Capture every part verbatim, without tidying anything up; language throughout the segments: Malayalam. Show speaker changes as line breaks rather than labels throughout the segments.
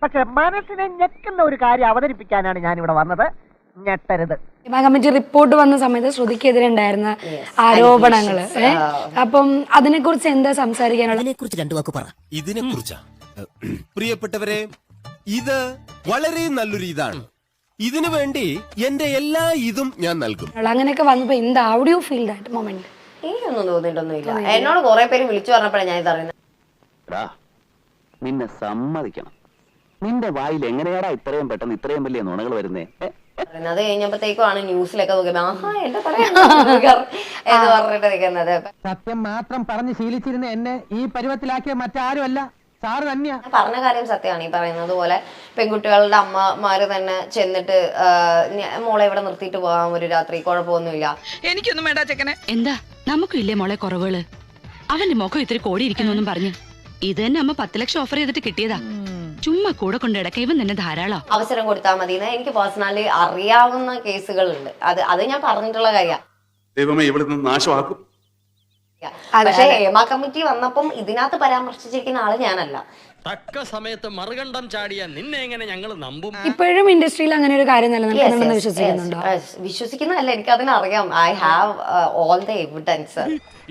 പക്ഷെ മനസ്സിനെ ഞെക്കുന്ന ഒരു കാര്യം അവതരിപ്പിക്കാനാണ് ഞാൻ ഇവിടെ വന്നത്. ഞെട്ടരുത്.
കമ്മിറ്റി റിപ്പോർട്ട് വന്ന സമയത്ത് ശ്രുതിക്കെതിരെ ഉണ്ടായിരുന്ന ആരോപണങ്ങള് അപ്പം അതിനെ കുറിച്ച് എന്താ സംസാരിക്കാനുള്ളത്?
ഇതിനെ കുറിച്ച് രണ്ടു വാക്ക് പറ.
ഇതിനെ കുറിച്ചാ പ്രിയപ്പെട്ടവരെ, ഇത് വളരെ നല്ലൊരു ഇതാണ്. ഇതിനു വേണ്ടി എന്റെ എല്ലാ ഇതും ഞാൻ നൽകും.
അങ്ങനെയൊക്കെ വന്നപ്പോ എന്താ how do you feel that moment?
എനിക്കൊന്നും തോന്നിയിട്ടൊന്നുമില്ല. എന്നോട് കുറെ പേര് വിളിച്ചു പറഞ്ഞപ്പോഴാണ് ഞാൻ ഇതറിയുന്നത്.
നിന്നെ സമ്മതിക്കണം, നിന്റെ വായിൽ എങ്ങനെയാടാ ഇത്രയും പെട്ടെന്ന് ഇത്രയും വലിയ നുണകൾ വരുന്നേ?
അത് കഴിഞ്ഞപ്പോഴത്തേക്കുമാണ് ന്യൂസിലൊക്കെ നോക്കിയപ്പോ ആഹാ എന്റെ പറയാൻ എന്ന് പറഞ്ഞിട്ട് നിൽക്കുന്നത്.
സത്യം മാത്രം പറഞ്ഞ് ശീലിച്ചിരുന്ന എന്നെ ഈ പരുവത്തിലാക്കിയ മറ്റാരുമല്ല, സാറ് തന്നെയാ.
പറഞ്ഞ കാര്യം സത്യമാണ്. ഈ പറയുന്നത് പോലെ പെൺകുട്ടികളുടെ അമ്മമാര് തന്നെ ചെന്നിട്ട് മോളെ ഇവിടെ നിർത്തിയിട്ട് പോകാം ഒരു രാത്രി, കുഴപ്പമൊന്നുമില്ല.
എനിക്കൊന്നും വേണ്ട ചെക്കനെ. എന്താ നമുക്കും ഇല്ലേ മോളെ കുറവുകള്? അവന്റെ മുഖം ഇത്തിരി കോടിയിരിക്കുന്നു പറഞ്ഞു. ഇത് തന്നെ അമ്മ പത്ത് ലക്ഷം ഓഫർ ചെയ്തിട്ട് കിട്ടിയതാ. ചുമ്മാ കൂടെ കൊണ്ട് ഇടയ്ക്ക ഇവൻ തന്നെ ധാരാളം.
അവസരം കൊടുത്താൽ മതി. എനിക്ക് പേഴ്സണലി അറിയാവുന്ന കേസുകളുണ്ട്. അത് അത് ഞാൻ പറഞ്ഞിട്ടുള്ള കാര്യമാണ്.
ദൈവമേ ഇവിടുന്ന് നാശമാക്കും.
പക്ഷെ ഹേമ കമ്മിറ്റി വന്നപ്പം ഇതിനകത്ത് പരാമർശിച്ചിരിക്കുന്ന ആള് ഞാനല്ല.
തക്ക സമയത്ത് മറുകണ്ഠം ചാടിയ നിന്നെ എങ്ങനെ ഞങ്ങൾ നമ്പും?
ഇപ്പോഴും ഇൻഡസ്ട്രിയിൽ അങ്ങനെ ഒരു കാര്യം നിലനിൽക്കുന്നുണ്ടെന്ന് വിശ്വസിക്കുന്നുണ്ടോ?
വിശ്വസിക്കുന്നതല്ല, എനിക്ക് അതിനറിയാം. I have all the evidence.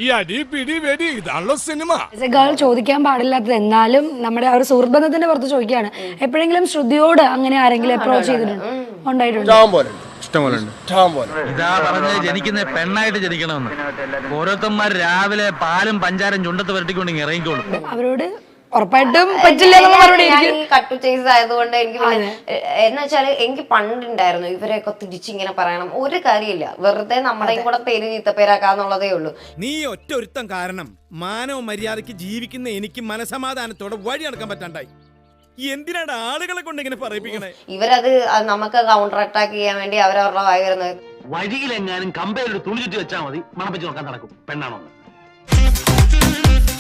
ഗേൾ ചോദിക്കാൻ പാടില്ലാത്തത് എന്നാലും നമ്മുടെ ആ ഒരു സുഹൃത്ബന്ധത്തിന്റെ പുറത്ത് ചോദിക്കുകയാണ്. എപ്പോഴെങ്കിലും ശ്രുതിയോട് അങ്ങനെ ആരെങ്കിലും അപ്രോച്ച് ചെയ്തിട്ടുണ്ട്? ഉണ്ടായിട്ടുണ്ട്.
ഇതാ പറഞ്ഞത് ജനിക്കുന്ന പെണ്ണായിട്ട് ജനിക്കണമെന്ന്. ഓരോരുത്തന്മാർ രാവിലെ പാലും പഞ്ചാരം ചുണ്ടത്ത് വരട്ടിക്കൊണ്ട് ഇറങ്ങിക്കോളും.
അവരോട് ഉറപ്പായിട്ടും പറ്റില്ല.
കട്ടു ചേസ് ആയതുകൊണ്ട് എനിക്ക് എന്ന് വെച്ചാല് എനിക്ക് പണ്ടുണ്ടായിരുന്നു ഇവരെയൊക്കെ തിരിച്ചിങ്ങനെ പറയണം. ഒരു കാര്യമില്ല, വെറുതെ നമ്മുടെയും കൂടെ പേര് ചീത്തപ്പേരാക്കാന്നുള്ളതേ ഉള്ളൂ.
നീ ഒറ്റ ഒരുത്തം കാരണം മാനവ മര്യാദക്ക് ജീവിക്കുന്ന എനിക്ക് മനസമാധാനത്തോടെ വഴി നടക്കാൻ പറ്റാണ്ടായി. എന്തിനാണ് ആളുകളെ കൊണ്ട് ഇങ്ങനെ പറയിപ്പിക്കണേ?
ഇവരത് നമുക്ക് കൗണ്ടർ അറ്റാക്ക് ചെയ്യാൻ വേണ്ടി അവരവരുടെ വായി വരുന്നത്.
വഴിയിലെങ്ങാനും കമ്പയിൽ ഒരു തുണി ചുറ്റി വെച്ചാൽ മതി, മണപ്പിച്ച് നോക്കാൻ നടക്കും പെണ്ണാണോ.